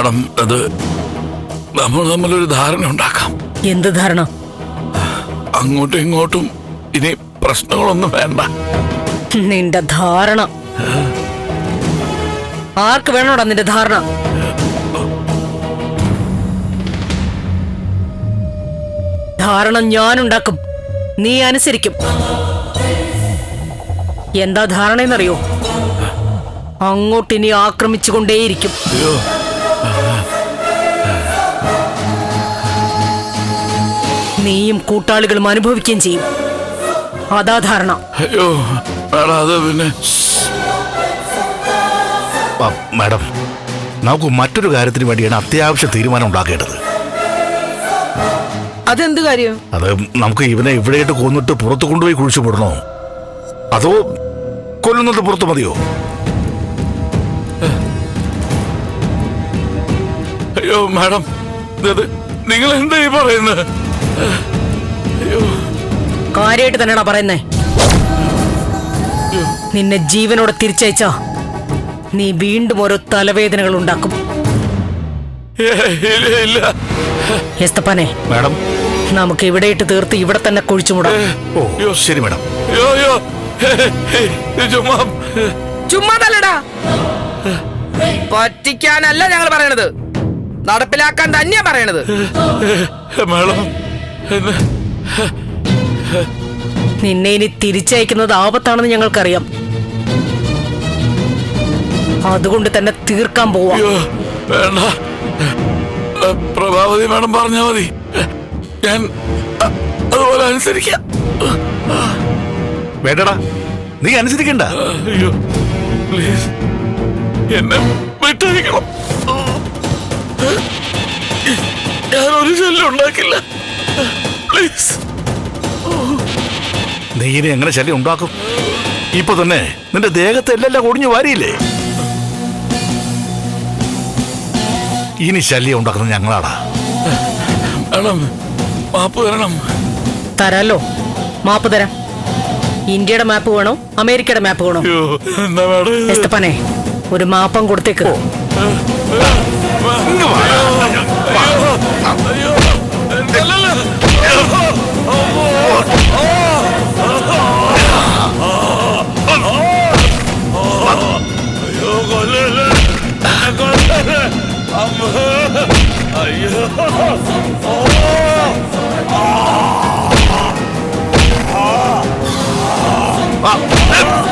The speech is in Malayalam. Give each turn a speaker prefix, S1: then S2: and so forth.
S1: മാഡം, അത് നമ്മൾ തമ്മിലൊരു ധാരണ ഉണ്ടാക്കാം.
S2: എന്ത് ധാരണ?
S1: അങ്ങോട്ടും ഇങ്ങോട്ടും ഇനി പ്രശ്നങ്ങളൊന്നും വേണ്ട.
S2: നിന്റെ ധാരണ ആർക്ക് വേണോടാ? നിന്റെ ധാരണ ധാരണ ഞാനുണ്ടാക്കും, നീ അനുസരിക്കും. എന്താ ധാരണയെന്നറിയോ? അങ്ങോട്ടിനി ആക്രമിച്ചുകൊണ്ടേയിരിക്കും. നീയും കൂട്ടാളികളും അനുഭവിക്കുകയും ചെയ്യും. അതാ ധാരണ.
S1: അയ്യോ അത് പിന്നെ
S3: മാഡം, നമുക്ക് മറ്റൊരു കാര്യത്തിന് വേണ്ടിയാണ് അത്യാവശ്യ തീരുമാനം ഉണ്ടാക്കേണ്ടത്.
S4: അതെന്ത് കാര്യം?
S3: അത് നമുക്ക് ഇവനെ ഇവിടെയായിട്ട് കൊന്നിട്ട് പുറത്തു കൊണ്ടുപോയി കുഴിച്ചു വിടണോ, അതോ കൊല്ലുന്നത് പുറത്തു മതിയോ?
S1: അയ്യോ മാഡം, നിങ്ങൾ എന്താ ഈ പറയുന്നത്?
S2: കാര്യമായിട്ട് തന്നെയാണോ പറയുന്നേ? നിന്നെ ജീവനോടെ തിരിച്ചയച്ചാ നീ വീണ്ടും ഓരോ തലവേദനകൾ ഉണ്ടാക്കും. എസ്തപ്പാനെ,
S3: മാഡം,
S2: നമുക്ക് ഇവിടെയിട്ട് തീർത്ത് ഇവിടെ തന്നെ കുഴിച്ചുമൂടാം.
S3: ഓ ശരി മാഡം.
S4: ചുമ്മാതല്ലടാ, പറ്റിക്കാനല്ല ഞങ്ങൾ പറയണത്, നടപ്പിലാക്കാൻ തന്നെയാ പറയണത്.
S2: നിന്നെ ഇനി തിരിച്ചയക്കുന്നത് ആപത്താണെന്ന് ഞങ്ങൾക്കറിയാം. അതുകൊണ്ട് തന്നെ തീർക്കാൻ പോവാ.
S1: വേണ്ട, പ്രഭാവതി മാഡം പറഞ്ഞാ മതി, ഞാൻ അതുപോലെ അനുസരിക്കാം.
S3: വേണ്ടടാ, നീ അനുസരിക്കണ്ട.
S1: അയ്യോ പ്ലീസ്, എന്നെ വിട്ടയക്കണം. ഞാനൊരു ശല്യം ഉണ്ടാക്കില്ല, പ്ലീസ്.
S3: നീ ഇനി എങ്ങനെ ശല്യം ഉണ്ടാക്കും? ഇപ്പൊ തന്നെ നിന്റെ ദേഹത്തെ എല്ലാം ഒടിഞ്ഞു വാരിയില്ലേ? ഇനി ശല്യം ഉണ്ടാക്കുന്നത് ഞങ്ങളാടാ.
S1: മാഡം മാപ്പ് തരണം.
S2: തരാലോ, മാപ്പ് തരാം. ഇന്ത്യയുടെ മാപ്പ് വേണോ അമേരിക്കയുടെ മാപ്പ് വേണോ?
S1: എന്താ മാഡം?
S2: എസ്തപ്പാനെ, ഒരു മാപ്പം കൊടുത്തേക്ക്.
S1: അയ്യോ